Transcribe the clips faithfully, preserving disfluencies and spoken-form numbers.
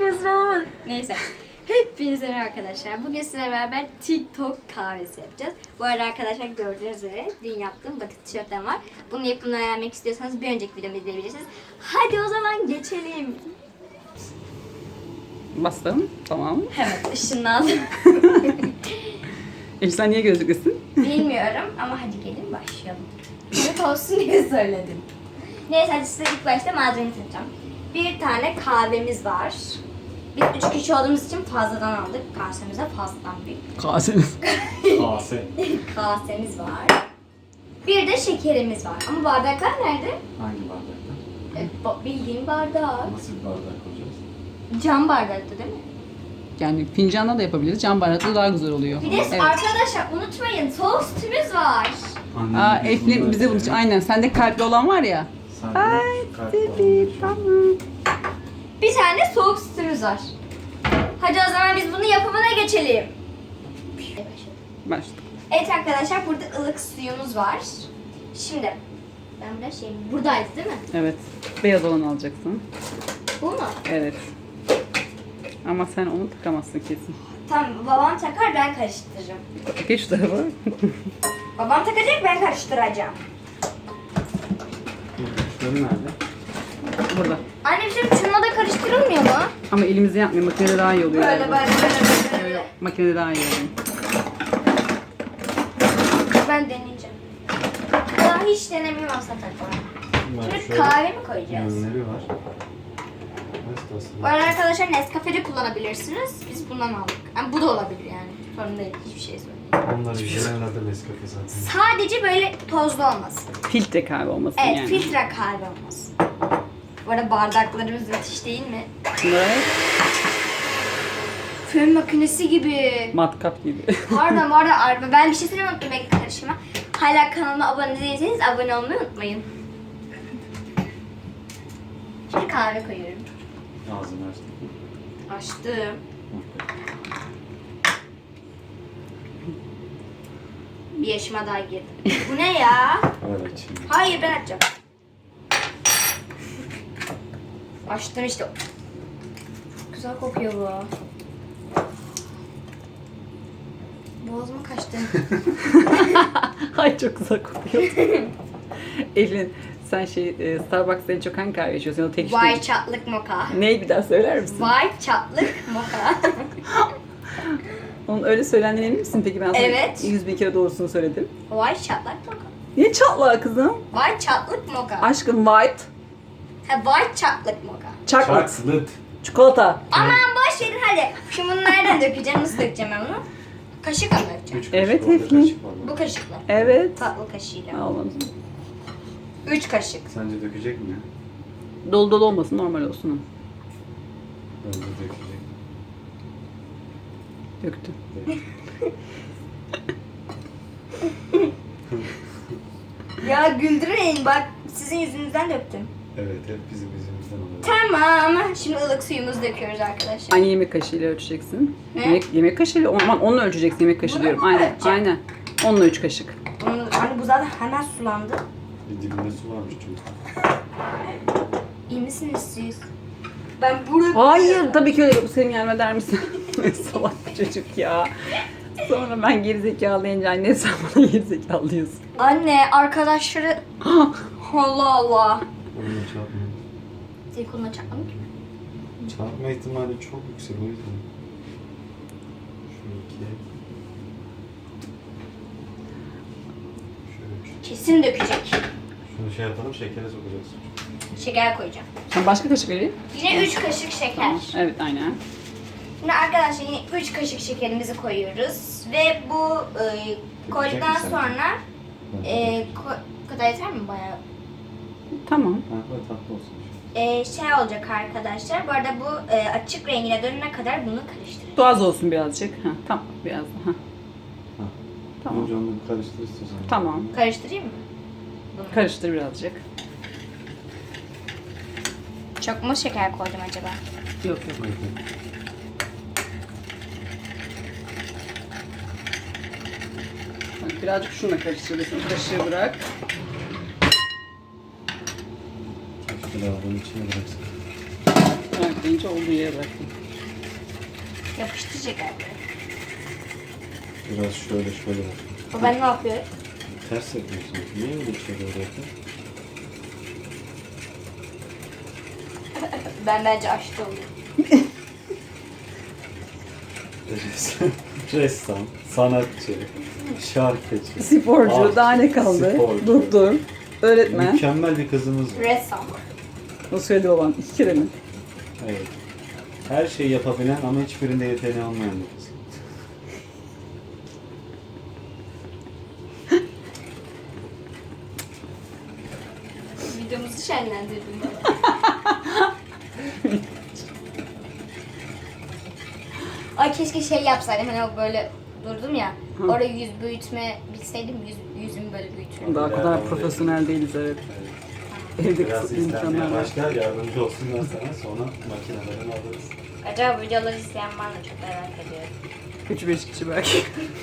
rezil olamadım. Neyse. Hepinize merhaba arkadaşlar. Bugün sizinle beraber TikTok kahvesi yapacağız. Bu arada arkadaşlar gördüğünüz üzere dün yaptığım batık tişörtlerim var. Bunu yapımını öğrenmek istiyorsanız bir önceki videomu izleyebilirsiniz. Hadi o zaman geçelim. Bastım. Tamam. Evet, ışınlandım. Elif sen niye gözlüklüsün? Bilmiyorum ama hadi gelin başlayalım. Komik olsun diye söyledim. Neyse hadi size ilk başta malzemeyi tanıtacağım. Bir tane kahvemiz var. Biz üç kişi olduğumuz için fazladan aldık. Kasemize fazladan bir Kasemiz. Kase. kasemiz var. Bir de şekerimiz var. Ama bardaklar nerede? Hangi bardakta? E, ba- bildiğim bardak. Nasıl bir bardak koyacağız? Cam bardaktı değil mi? Yani fincanla da yapabiliriz. Cam bardakla daha güzel oluyor. Bir de Evet. arkadaşlar unutmayın soğuk sütümüz var. Annem Aa, biz Eflin bunları bize bunu seviyor. aynen. Sende kalpli olan var ya. Sen de Ay kalp tabii falan tamam. Bir tane soğuk sütümüz var. Hadi o zaman biz bunun yapımına geçelim. Başladık. Evet arkadaşlar burada ılık suyumuz var. Şimdi ben burada şey buradaydı değil mi? Evet. Beyaz olanı alacaksın. Bu mu? Evet. Ama sen onu takamazsın kesin. Tamam babam takar ben karıştıracağım. Geç şu tarafa. Babam takacak ben karıştıracağım. Şunun nerede? Burada. Anne bir şey şununla da karıştırılmıyor mu? Ama elimizde yapmıyor. Makinede daha iyi oluyor. Böyle galiba. böyle böyle böyle. Yok yok. Makinede daha iyi oluyor. Ben deneyeceğim. Daha hiç denemiyorum aslında takmayı. Bak Şimdi şöyle kahve mi koyacağız? yönleri var. Nasıl Bu arada arkadaşlar Nescafe'de kullanabilirsiniz. Biz bundan aldık. Yani bu da olabilir yani. Sorun değil hiçbir şey söyleyeyim. Onlar genelde Nescafe zaten. Sadece böyle tozlu olmasın. Filtre kahve olmasın Evet yani. filtre kahve olmasın. Bu arada bardaklarımız müthiş değil mi? Bunlar Fön makinesi gibi. matkap gibi. Pardon pardon araba. Ben bir şey söylemeyi unuttum. Bekle karışıma. Hala kanalıma abone değilseniz abone olmayı unutmayın. Şimdi kahve koyuyorum. Ağzını açtım. Açtım. Bir yaşıma daha girdim. Bu ne ya? Evet şimdi. Hayır ben açacağım. Açtım işte. Çok güzel kokuyor bu. Boğazıma kaçtı. Ay çok güzel kokuyor. Elin sen şey e, Starbucks'ta en çok hangi kahve içiyorsun? O tek işte. Vay çatlık moka. Neyi bir daha söyler misin? Vay çatlık moka. Onun öyle söylendiğine emin misin peki? Ben sana Evet. yüz bin kere doğrusunu söyledim. Vay çatlak moka. Niye çatlağı kızım? Vay çatlık moka. Aşkım white, Ha vay çatlık moka. chocolate, Çakslıt. çikolata. Aman boş verin hadi. Şimdi bunu nereden dökeceğim? Nasıl dökeceğim ben bunu? Kaşıkla mı dökeceğim? Üç Evet, kaşık, orada Eflin. kaşık var Bu bak. kaşıkla. Evet. Tatlı kaşığıyla. Ağladım. Üç kaşık. Sence dökecek mi? Dolu dolu olmasın, normal olsun. Bence dökecek. Döktüm. Ya güldürmeyin bak sizin yüzünüzden döktüm. Evet hep bizim yüzümüzden oluyor. Tamam. Şimdi ılık suyumuzu döküyoruz arkadaşlar. Aynı yemek kaşığıyla ölçeceksin. Ne? Yemek, yemek kaşığıyla, aman onunla ölçeceksin yemek kaşığı Bunu diyorum. mu Aynen, ölçeceğim? aynen. Onunla üç kaşık. Bunu, hani bu zaten hemen sulandı. Bir dibinde su varmış çünkü. İyi misiniz siz? Ben burada... Hayır, tabii ki öyle. Bu senin gelme der misin? Salak bir çocuk ya. Sonra ben gerizekalı deyince anne sen bana gerizekalı diyorsun. Anne arkadaşları... Allah Allah. Onunla çarpma. Senin koluna çarpmadım ki. Çarpma ihtimali çok yüksek o yüzden. Şu iki. Şöyle üç. Kesin dökecek. Şunu şey yapalım şekere sokacağız. Şeker koyacağım. Sen başka kaşık vereyim. Yine üç kaşık şeker. Evet, aynen. Şimdi arkadaşlar yine üç kaşık şekerimizi koyuyoruz. Ve bu e, koyduktan misin? sonra e, ko- bu kadar yeter mi bayağı? Tamam. Ha, böyle tatlı olsun. E, şey olacak arkadaşlar. Bu arada bu e, açık rengine dönene kadar bunu karıştıracağız. Su az olsun birazcık. Ha, tamam, biraz daha. Ha. Tamam. Önce onu bir karıştır istiyorsan. Tamam. Karıştırayım mı? Bunu. Karıştır birazcık. Çok mu şeker koydum acaba? Yok yok. Evet. Bak, birazcık şununla karıştırıyorsun. Kaşığı bırak. Keşke lavabonun içine bıraksın. Evet. deyince olduğu yere bıraktım. Yapıştıracak abi. Biraz şöyle şöyle bak. O ben ne yapıyorum? Ters yapıyorsun. Niye öyle bir şey böyle yapıyorsun? Ben bence aşçı oldum. Ressam, ressam, sanatçı, şarkıcı. Sporcu, Ah, daha ne kaldı? sporcu. Doktor, öğretmen. Mükemmel bir kızımız var. Ressam. O söyledi babam. İki kere mi? Evet. Her şeyi yapabilen ama hiçbirinde yeteneği olmayan bir kız. Videomuzu şenlendirdim. Ay keşke şey yapsaydım hani o böyle durdum ya. Hı. Orada yüz büyütme bilseydim yüz, yüzümü böyle büyütürüm. Daha o kadar İleride profesyonel değiliz evet. Evet. Evde Biraz kısıtlı izlenmeye imkanlar var. başlar, yardımcı olsunlar sana, sonra makinelerini alırız. Acaba bu videoları izleyen var mı çok merak ediyorum. üç beş kişi belki.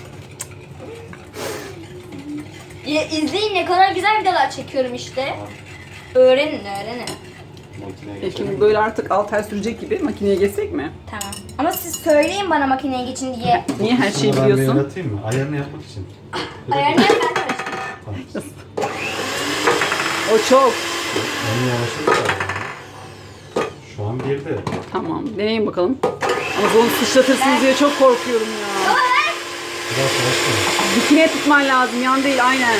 Ya, izleyin ne kadar güzel videolar çekiyorum işte. Öğrenin öğrenin. Makineye E geçelim. şimdi böyle artık altı ay sürecek gibi makineye geçsek mi? Tamam. Ama siz söyleyin bana makineye geçin diye. Niye her şeyi Bunu ben bir biliyorsun? yaratayım mı? Ayarını yapmak için. Bir de- Ayarını yap ben karıştım. Tamam. O çok. Onu yavaşlık var. Şu an girdi. Tamam deneyin bakalım. Ama bunu sıçratırsınız diye çok korkuyorum ya. Biraz yavaş. Dikine tutman lazım yan değil aynen.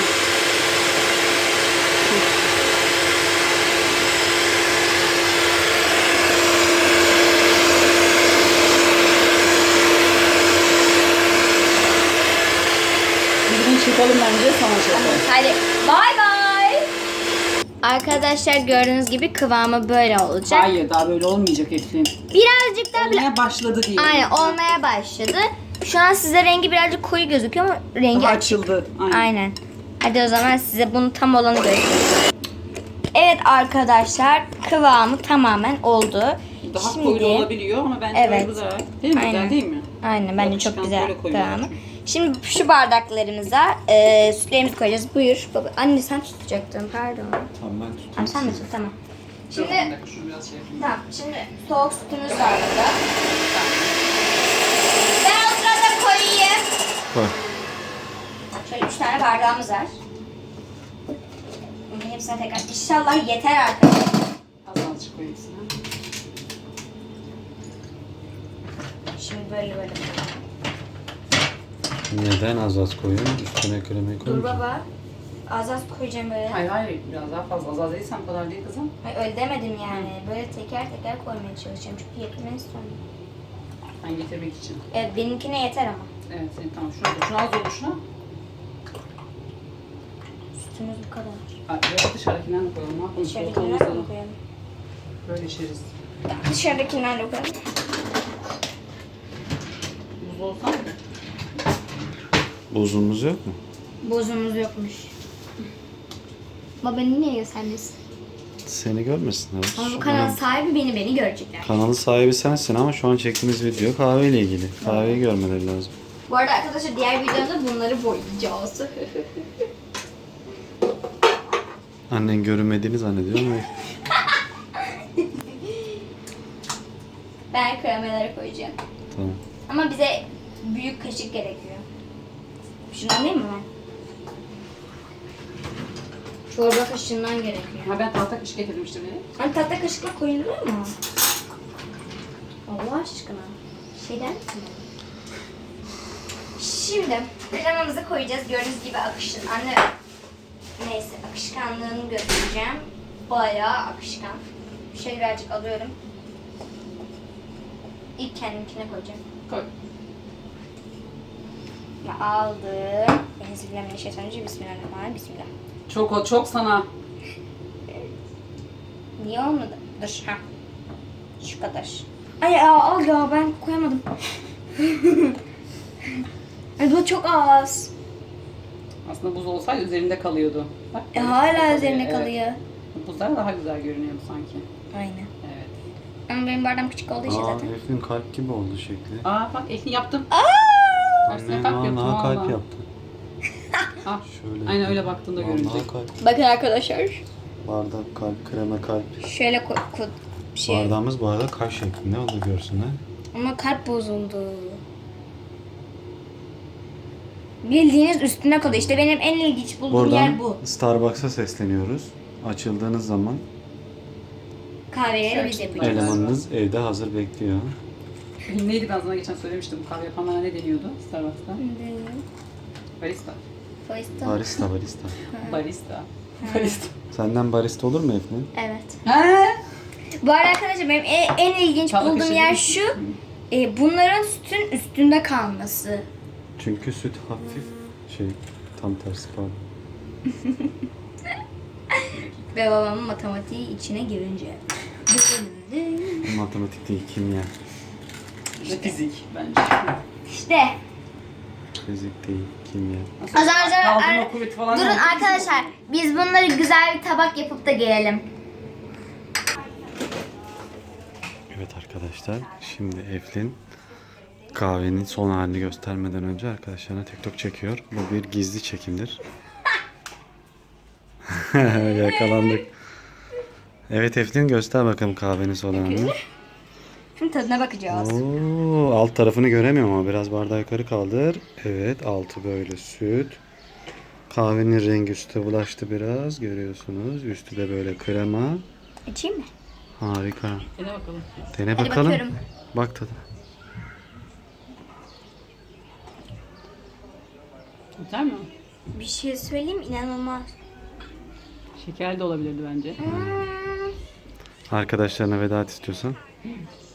Biz bunu çekelim bence sonra çekelim. Hadi bay bay. Arkadaşlar gördüğünüz gibi kıvamı böyle olacak. Hayır daha böyle olmayacak Eflin. Birazcık daha bile... Olmaya başladı diye. Aynen olmaya başladı. Şu an size rengi birazcık koyu gözüküyor ama rengi Daha açık. açıldı. Aynen. Aynen. Hadi o zaman size bunun tam olanı göstereyim. Evet arkadaşlar kıvamı tamamen oldu. Daha Şimdi, koyu olabiliyor ama bence Evet. böyle güzel. Değil mi? Aynen. Güzel değil mi? Aynen bence Yapışkan çok güzel böyle koyuyorlar kıvamı. çünkü. Şimdi şu bardaklarımıza e, sütlerimizi koyacağız. Buyur. Baba. Anne sen tutacaktın pardon. Tamam ben tutayım. Tamam sen de sizi. tut tamam. Dur, Şimdi bir dakika, şunu biraz şey yapayım. tamam şimdi soğuk sütümüz var burada. Ben o sırada koyayım. Koy. Şöyle üç tane bardağımız var. Bunun hepsine tekrar. İnşallah yeter arkadaşlar. Az azıcık koyayım sana. Şimdi böyle böyle. Neden az az koyuyorsun? Üstüne kremayı Dur koymayacağım. baba. Az az koyacağım böyle. Hayır hayır biraz daha fazla. Az az değilsen bu kadar değil kızım. Hayır, öyle demedim yani. Böyle teker teker koymaya çalışacağım. Çünkü yakından istiyorum. Ben getirmek için. Evet benimkine yeter ama. Evet senin tamam şuna koy. Şuna az olur şuna. Sütümüz bu kadar. Ay, biraz dışarıdakinden de koyalım. Ne yapalım? Soğuk Dışarıdakinden olmasa mi da koyalım? böyle içeriz. Dışarıdakinden de koyalım. Buz olsa mı? Buzumuz yok mu? Bozumuz yokmuş. Baba beni niye göstermiyorsun? Seni görmesinler. Ama bu kanalın sahibi beni beni görecekler. Kanalı sahibi sensin ama şu an çektiğimiz video kahveyle ilgili. Kahveyi görmeleri lazım. Bu arada arkadaşlar diğer videomda bunları boyayacağız. Annen görünmediğini zannediyor mu? Ben kremaları koyacağım. Tamam. Ama bize büyük kaşık gerekiyor. Şunu alayım mı ben? Çorba kaşığından gerekiyor. Ha ben tahta kaşık getirmiştim beni. Hani tahta kaşıkla koyuluyor mu? Allah aşkına. Şeyden mi? Şimdi kremamızı koyacağız. Gördüğünüz gibi akışın. Anne neyse akışkanlığını göstereceğim. Bayağı akışkan. Şöyle birazcık alıyorum. İlk kendimkine koyacağım. Koy. Ve aldım. Enzibirlemişetanıcı bismillahirrahmanirrahim. Bismillah. Çok o çok sana. Niye olmadı? Dur ha. Şu kadar. Ay ya, al ya ben koyamadım. Ay bu çok az. Aslında buz olsaydı üzerinde kalıyordu. Bak, E, böyle hala kalıyor, üzerine evet. kalıyor. Buzlar daha güzel görünüyordu sanki. Aynen. Evet. Ama benim bardağım küçük olduğu için Aa, zaten. Eflin kalp gibi oldu şekli. Aa bak Eflin yaptım. Aslında Annen kalp vallahi yaptım kalp valla. yaptı. Ah, Şöyle. aynen öyle baktığında Vallahi görünecek. kalp. Bakın arkadaşlar. Bardak kalp, krema kalp. Şöyle ko- ko- bir şey. Bardağımız bu arada kaş şeklinde, onu da görsünler. Ama kalp bozuldu. Bildiğiniz üstüne kalıyor. İşte benim en ilginç bulduğum yer bu. Buradan Starbucks'a sesleniyoruz. Açıldığınız zaman Kahveleri biz yapacağız. elemanınız evde hazır bekliyor. Neydi, ben sana geçen söylemiştim. Kahve yapanlara ne deniyordu Starbucks'ta? Barista. Barista. Barista, barista. Barista. Barista. Senden barista olur mu Eflin? Evet. He? Bu arada arkadaşlar benim en, en ilginç Çabuk bulduğum işe yer değil. şu. E, bunların sütün üstünde kalması. Çünkü süt hafif şey, tam tersi pardon. Ve babamın matematiği içine girince. Matematik değil, kimya. Ve fizik bence. İşte. Fizik değil, kimya. O zaman sonra- Kaldırma kuvveti falan. Durun yok. arkadaşlar. Biz bunları güzel bir tabak yapıp da gelelim. Evet arkadaşlar, şimdi Eflin kahvenin son halini göstermeden önce arkadaşlarına TikTok çekiyor. Bu bir gizli çekimdir. Yakalandık. Evet Eflin, göster bakalım kahvenin son halini. Şimdi tadına bakacağız. Oo, alt tarafını göremiyorum ama biraz bardağı yukarı kaldır. Evet, altı böyle süt. Kahvenin rengi üstüne bulaştı biraz, görüyorsunuz. Üstü de böyle krema. İçeyim mi? Harika. Dene bakalım. Dene Hadi bakalım. bakıyorum. Bak tadına. Güzel mi? Bir şey söyleyeyim, inanılmaz. Şekerli de olabilirdi bence. Hmm. Arkadaşlarına veda et istiyorsan.